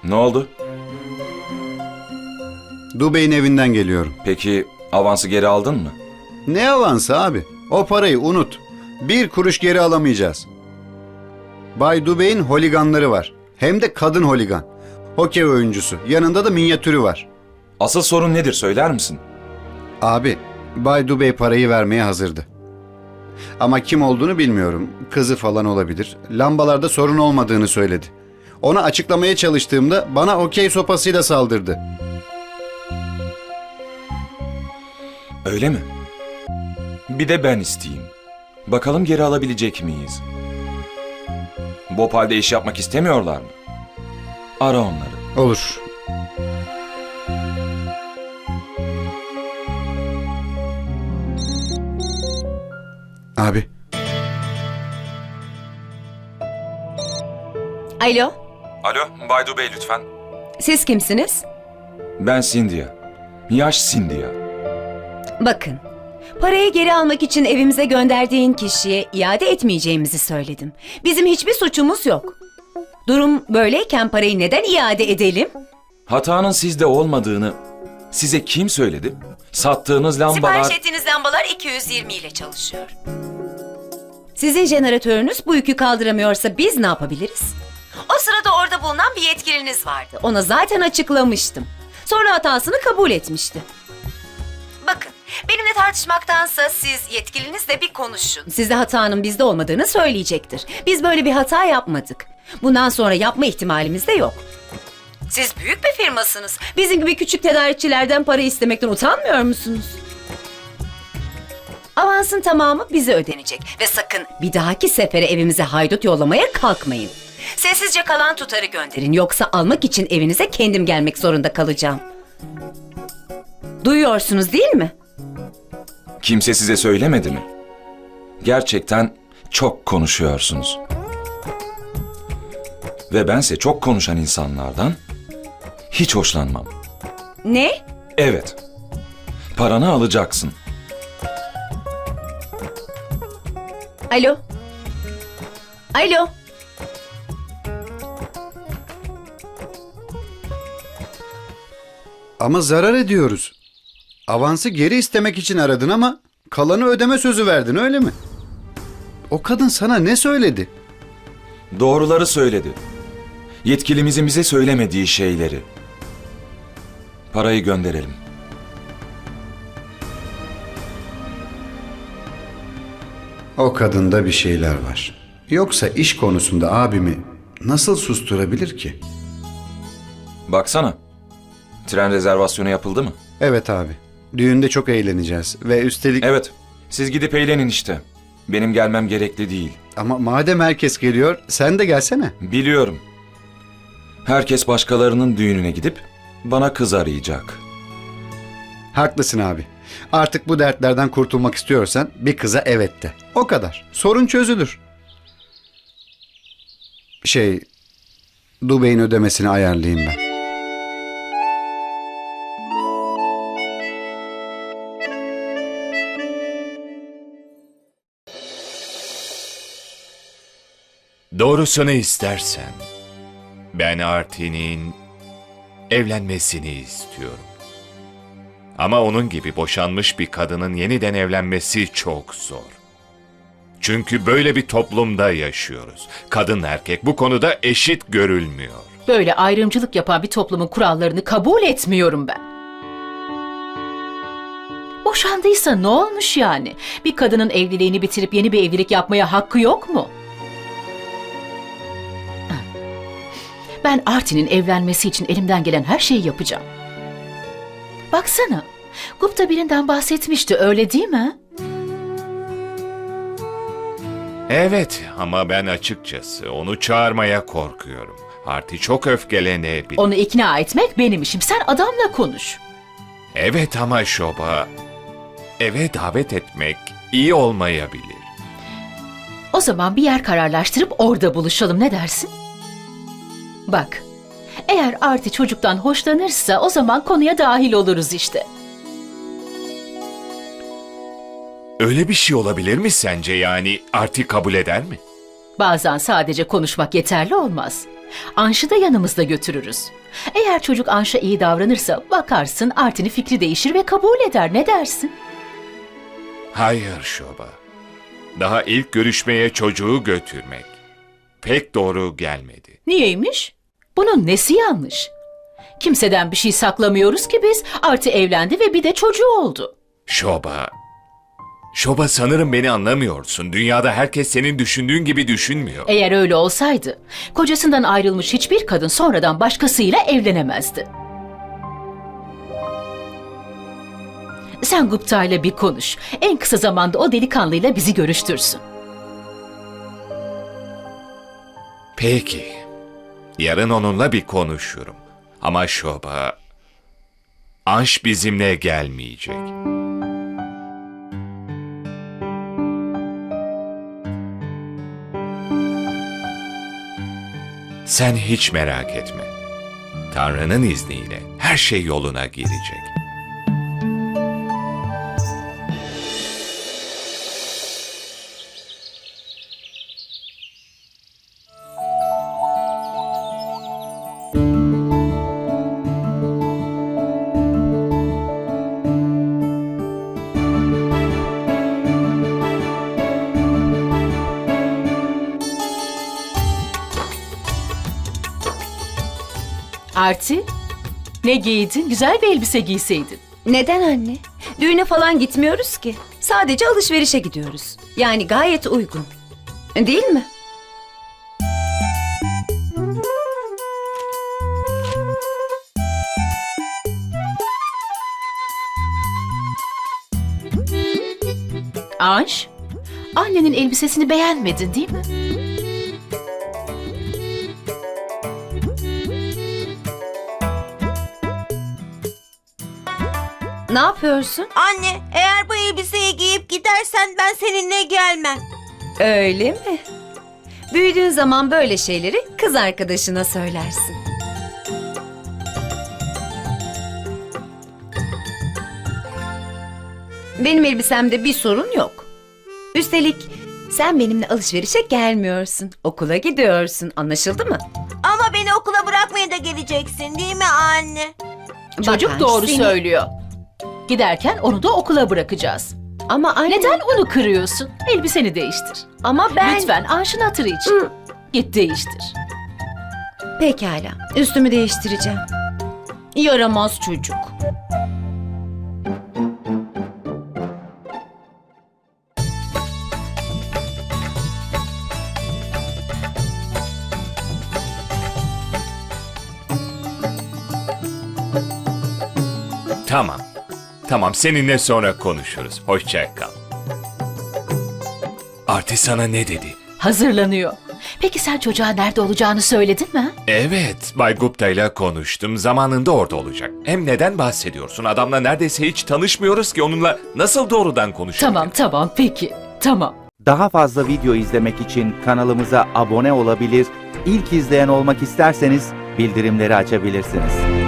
Ne oldu? Dubey'in evinden geliyorum. Peki avansı geri aldın mı? Ne avansı abi? O parayı unut. Bir kuruş geri alamayacağız. Bay Dubey'in holiganları var. Hem de kadın holigan. Hokey oyuncusu. Yanında da minyatürü var. Asıl sorun nedir söyler misin? Abi, Bay Dubey parayı vermeye hazırdı. Ama kim olduğunu bilmiyorum. Kızı falan olabilir. Lambalarda sorun olmadığını söyledi. Ona açıklamaya çalıştığımda bana hokey sopasıyla saldırdı. Öyle mi? Bir de ben isteyeyim. Bakalım geri alabilecek miyiz? Bhopal'de iş yapmak istemiyorlar mı? Ara onları. Olur. Abi, Alo, Alo, Bay Dubey lütfen. siz kimsiniz? Ben Cynthia. Yaş Cynthia. Bakın, parayı geri almak için evimize gönderdiğin kişiye iade etmeyeceğimizi söyledim. Bizim hiçbir suçumuz yok. Durum böyleyken parayı neden iade edelim? Hatanın sizde olmadığını size kim söyledi? Sattığınız lambalar... Sipariş ettiğiniz lambalar 220 ile çalışıyor. Sizin jeneratörünüz bu yükü kaldıramıyorsa biz ne yapabiliriz? O sırada orada bulunan bir yetkiliniz vardı. Ona zaten açıklamıştım. Sonra hatasını kabul etmişti. Bakın, benimle tartışmaktansa siz yetkilinizle bir konuşun. Size hatanın bizde olmadığını söyleyecektir. Biz böyle bir hata yapmadık. Bundan sonra yapma ihtimalimiz de yok. Siz büyük bir firmasınız. Bizim gibi küçük tedarikçilerden para istemekten utanmıyor musunuz? Avansın tamamı bize ödenecek. Ve sakın bir dahaki sefere evimize haydut yollamaya kalkmayın. Sessizce kalan tutarı gönderin. Yoksa almak için evinize kendim gelmek zorunda kalacağım. Duyuyorsunuz değil mi? Kimse size söylemedi mi? Gerçekten çok konuşuyorsunuz. Ve bense çok konuşan insanlardan hiç hoşlanmam. Ne? Evet, paranı alacaksın. Alo? Alo? ama zarar ediyoruz. Avansı geri istemek için aradın ama kalanı ödeme sözü verdin, öyle mi? O kadın sana ne söyledi? Doğruları söyledi. Yetkilimizin bize söylemediği şeyleri. Parayı gönderelim. O kadında bir şeyler var. Yoksa iş konusunda abimi nasıl susturabilir ki? Baksana, tren rezervasyonu yapıldı mı? Evet abi. Düğünde çok eğleneceğiz ve üstelik... Evet, siz gidip eğlenin işte. Benim gelmem gerekli değil. Ama madem herkes geliyor, sen de gelsene. Biliyorum. Herkes başkalarının düğününe gidip bana kız arayacak. Haklısın abi. Artık bu dertlerden kurtulmak istiyorsan bir kıza evet de. O kadar. Sorun çözülür. Dubey'in ödemesini ayarlayayım ben. Doğrusunu istersen, ben Arti'nin evlenmesini istiyorum. Ama onun gibi boşanmış bir kadının yeniden evlenmesi çok zor. Çünkü böyle bir toplumda yaşıyoruz. Kadın erkek bu konuda eşit görülmüyor. Böyle ayrımcılık yapan bir toplumun kurallarını kabul etmiyorum ben. Boşandıysa ne olmuş yani? Bir kadının evliliğini bitirip yeni bir evlilik yapmaya hakkı yok mu? Ben Arti'nin evlenmesi için elimden gelen her şeyi yapacağım. Baksana, Gupta birinden bahsetmişti, öyle değil mi? Evet ama ben açıkçası onu çağırmaya korkuyorum. Arti çok öfkelenebilir. Onu ikna etmek benim işim. Sen adamla konuş. Evet ama Şoba, eve davet etmek iyi olmayabilir. O zaman bir yer kararlaştırıp orada buluşalım, ne dersin? Bak, eğer Arti çocuktan hoşlanırsa o zaman konuya dahil oluruz işte. Öyle bir şey olabilir mi sence, yani Arti kabul eder mi? Bazen sadece konuşmak yeterli olmaz. Anş'ı da yanımızda götürürüz. Eğer çocuk Anş'a iyi davranırsa bakarsın Artin'in fikri değişir ve kabul eder. Ne dersin? Hayır Şoba. Daha ilk görüşmeye çocuğu götürmek pek doğru gelmedi. Niyeymiş? Bunun nesi yanlış? Kimseden bir şey saklamıyoruz ki biz. Arti evlendi ve bir de çocuğu oldu. Şoba sanırım beni anlamıyorsun. Dünyada herkes senin düşündüğün gibi düşünmüyor. Eğer öyle olsaydı, kocasından ayrılmış hiçbir kadın sonradan başkasıyla evlenemezdi. Sen Gupta ile bir konuş. En kısa zamanda o delikanlıyla bizi görüştürsün. Peki. Yarın onunla bir konuşurum. Ama Şoba, Anş bizimle gelmeyecek. Sen hiç merak etme. Tanrı'nın izniyle her şey yoluna girecek. Arti, ne giydin? Güzel bir elbise giyseydin. Neden anne? Düğüne falan gitmiyoruz ki. Sadece alışverişe gidiyoruz. Yani gayet uygun. Değil mi? Anş, annenin elbisesini beğenmedin değil mi? Ne yapıyorsun? Anne, eğer bu elbiseyi giyip gidersen ben seninle gelmem. Öyle mi? Büyüdüğün zaman böyle şeyleri kız arkadaşına söylersin. Benim elbisemde bir sorun yok. Üstelik sen benimle alışverişe gelmiyorsun. Okula gidiyorsun. Anlaşıldı mı? Ama beni okula bırakmaya da geleceksin değil mi anne? Çocuk Bak, doğru seni- söylüyor. Giderken onu da okula bırakacağız. Ama anne... Neden onu kırıyorsun? Elbiseni değiştir. Ama ben... Lütfen Anş'ın hatırı için. Git değiştir. Pekala. Üstümü değiştireceğim. Yaramaz çocuk. Tamam. Tamam, seninle sonra konuşuruz. Hoşça kal. Arti sana ne dedi? Hazırlanıyor. Peki sen çocuğa nerede olacağını söyledin mi? Evet, Bay Gupta ile konuştum. Zamanında orada olacak. Hem neden bahsediyorsun? Adamla neredeyse hiç tanışmıyoruz ki onunla nasıl doğrudan konuşabilirim? Tamam peki. Tamam. Daha fazla video izlemek için kanalımıza abone olabilir, ilk izleyen olmak isterseniz bildirimleri açabilirsiniz.